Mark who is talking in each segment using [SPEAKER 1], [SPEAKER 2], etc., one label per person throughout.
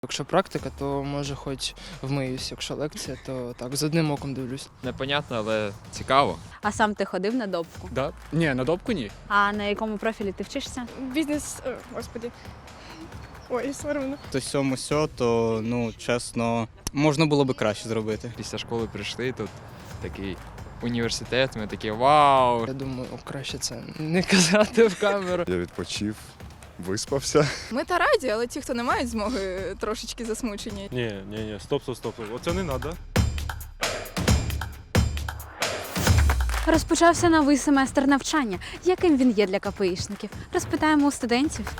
[SPEAKER 1] Якщо практика, то може хоч вмиюсь, якщо лекція, то так, з одним оком дивлюсь.
[SPEAKER 2] Непонятно, але цікаво.
[SPEAKER 3] А сам ти ходив на допку?
[SPEAKER 4] Да? Ні, на допку ні.
[SPEAKER 3] А на якому профілі ти вчишся?
[SPEAKER 5] Бізнес, господи. Ой, соромно.
[SPEAKER 6] То сьому сьо, то, чесно, можна було би краще зробити.
[SPEAKER 2] Після школи прийшли, тут такий університет, ми такі вау.
[SPEAKER 1] Я думаю, краще це не казати в камеру.
[SPEAKER 7] Я відпочив, виспався.
[SPEAKER 5] Ми та раді, але ті, хто не мають змоги, трошечки засмучені.
[SPEAKER 8] Ні, стоп. Оце не треба.
[SPEAKER 3] Розпочався новий семестр навчання. Яким він є для КПІшників? Розпитаємо у студентів.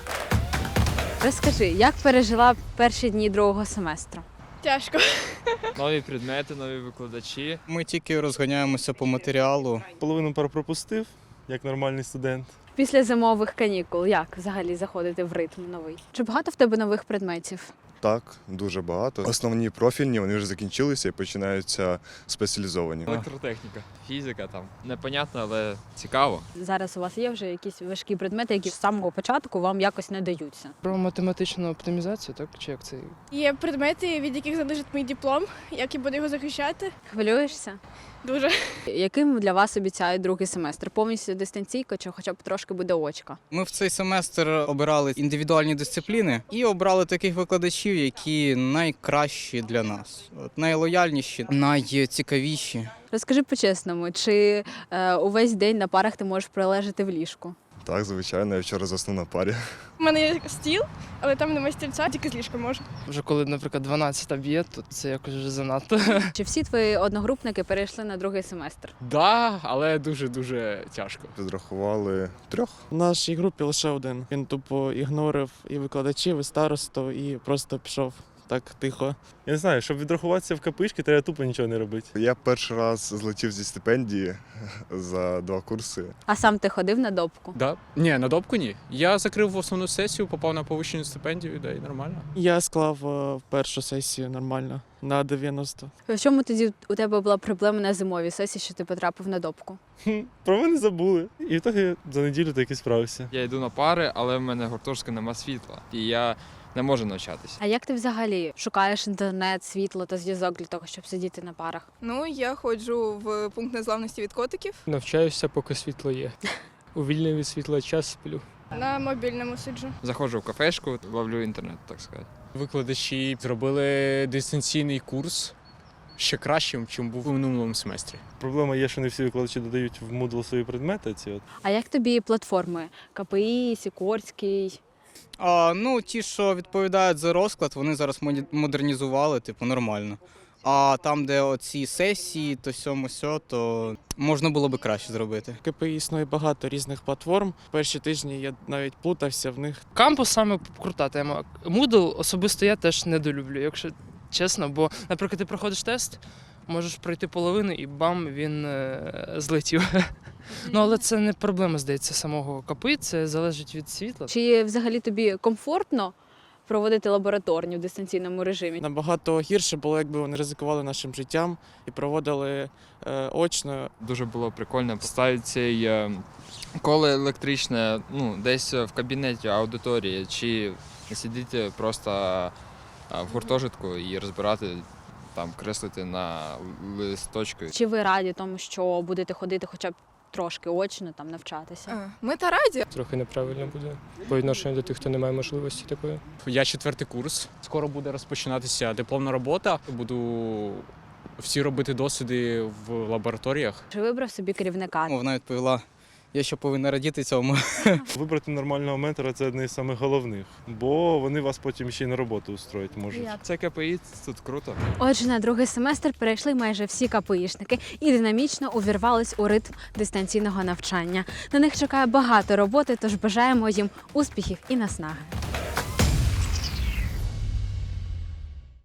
[SPEAKER 3] Розкажи, як пережила перші дні другого семестру?
[SPEAKER 5] Тяжко.
[SPEAKER 2] Нові предмети, нові викладачі.
[SPEAKER 6] Ми тільки розганяємося по матеріалу.
[SPEAKER 8] Половину пропустив, як нормальний студент.
[SPEAKER 3] Після зимових канікул як взагалі заходити в ритм новий? Чи багато в тебе нових предметів?
[SPEAKER 7] Так, дуже багато. Основні профільні, вони вже закінчилися і починаються спеціалізовані.
[SPEAKER 2] Електротехніка, фізика там. Непонятно, але цікаво.
[SPEAKER 3] Зараз у вас є вже якісь важкі предмети, які з самого початку вам якось не даються?
[SPEAKER 1] Про математичну оптимізацію, так? Чи як це?
[SPEAKER 5] Є предмети, від яких залежить мій диплом, як я буду його захищати.
[SPEAKER 3] Хвилюєшся?
[SPEAKER 5] Дуже.
[SPEAKER 3] Яким для вас обіцяють другий семестр? Повністю дистанційка чи хоча б трошки буде очка?
[SPEAKER 6] Ми в цей семестр обирали індивідуальні дисципліни і обрали таких викладачів, які найкращі для нас. Найлояльніші, найцікавіші.
[SPEAKER 3] Розкажи по-чесному, чи увесь день на парах ти можеш пролежати в ліжку?
[SPEAKER 7] Так, звичайно, я вчора заснув на парі.
[SPEAKER 5] У мене є стіл, але там немає стільця, тільки з ліжка можу.
[SPEAKER 1] Вже коли, наприклад, 12 б'є, то це якось вже занадто.
[SPEAKER 3] Чи всі твої одногрупники перейшли на другий семестр?
[SPEAKER 4] Да, але дуже-дуже тяжко.
[SPEAKER 7] Підрахували 3.
[SPEAKER 9] В нашій групі лише один. Він тупо ігнорив і викладачів, і старосту, і просто пішов так тихо.
[SPEAKER 8] Я не знаю, щоб відрахуватися в КПІшки, треба тупо нічого не робити.
[SPEAKER 7] Я перший раз злетів зі стипендії за 2 курси.
[SPEAKER 3] А сам ти ходив на допку?
[SPEAKER 4] Да? Ні, на допку ні. Я закрив основну сесію, попав на повищену стипендію, да, і нормально.
[SPEAKER 9] Я склав першу сесію нормально на 90.
[SPEAKER 3] В чому тоді у тебе була проблема на зимовій сесії, що ти потрапив на допку?
[SPEAKER 8] Про мене забули. І в ітогі за неділю таки справився.
[SPEAKER 2] Я йду на пари, але в мене гуртожитка нема світла. І я не можу навчатися.
[SPEAKER 3] А як ти взагалі шукаєш інтернет, світло та зв'язок для того, щоб сидіти на парах?
[SPEAKER 5] Ну, я ходжу в пункт незламності від котиків.
[SPEAKER 10] Навчаюся, поки світло є. У вільний від світла час сплю.
[SPEAKER 5] На мобільному сиджу.
[SPEAKER 2] Заходжу в кафешку, ловлю інтернет, так сказати.
[SPEAKER 4] Викладачі зробили дистанційний курс ще кращим, ніж був у минулому семестрі.
[SPEAKER 8] Проблема є, що не всі викладачі додають в Moodle свої предмети.
[SPEAKER 3] А як тобі платформи? КПІ, Сікорський?
[SPEAKER 6] Ті, що відповідають за розклад, вони зараз модернізували, нормально. А там, де оці сесії, то сьому сьо, то можна було би краще зробити.
[SPEAKER 9] В КПІ існує багато різних платформ. Перші тижні я навіть плутався в них.
[SPEAKER 1] Кампус саме крута тема. Moodle особисто я теж недолюблю, якщо чесно, бо, наприклад, ти проходиш тест, можеш пройти половину і бам, він злетів. Але це не проблема, здається, самого КПІ, це залежить від світла.
[SPEAKER 3] Чи взагалі тобі комфортно проводити лабораторні в дистанційному режимі?
[SPEAKER 9] Набагато гірше було, якби вони ризикували нашим життям і проводили очно.
[SPEAKER 2] Дуже було прикольно поставити цей коло електричне десь в кабінеті аудиторії, чи сидіти просто в гуртожитку і розбирати, креслити на листочку.
[SPEAKER 3] Чи ви раді тому, що будете ходити хоча б трошки очно навчатися?
[SPEAKER 5] Ми та раді.
[SPEAKER 10] Трохи неправильно буде по відношенню до тих, хто не має можливості такої.
[SPEAKER 4] Я 4-й курс. Скоро буде розпочинатися дипломна робота. Буду всі робити досліди в лабораторіях.
[SPEAKER 3] Чи вибрав собі керівника?
[SPEAKER 6] Вона відповіла, я ще повинна радіти цьому.
[SPEAKER 8] Вибрати нормального ментора – це одне з самих головних, бо вони вас потім ще й на роботу устроїть можуть.
[SPEAKER 2] Це КПІ, тут круто.
[SPEAKER 3] Отже, на другий семестр перейшли майже всі КПІшники і динамічно увірвались у ритм дистанційного навчання. На них чекає багато роботи, тож бажаємо їм успіхів і наснаги.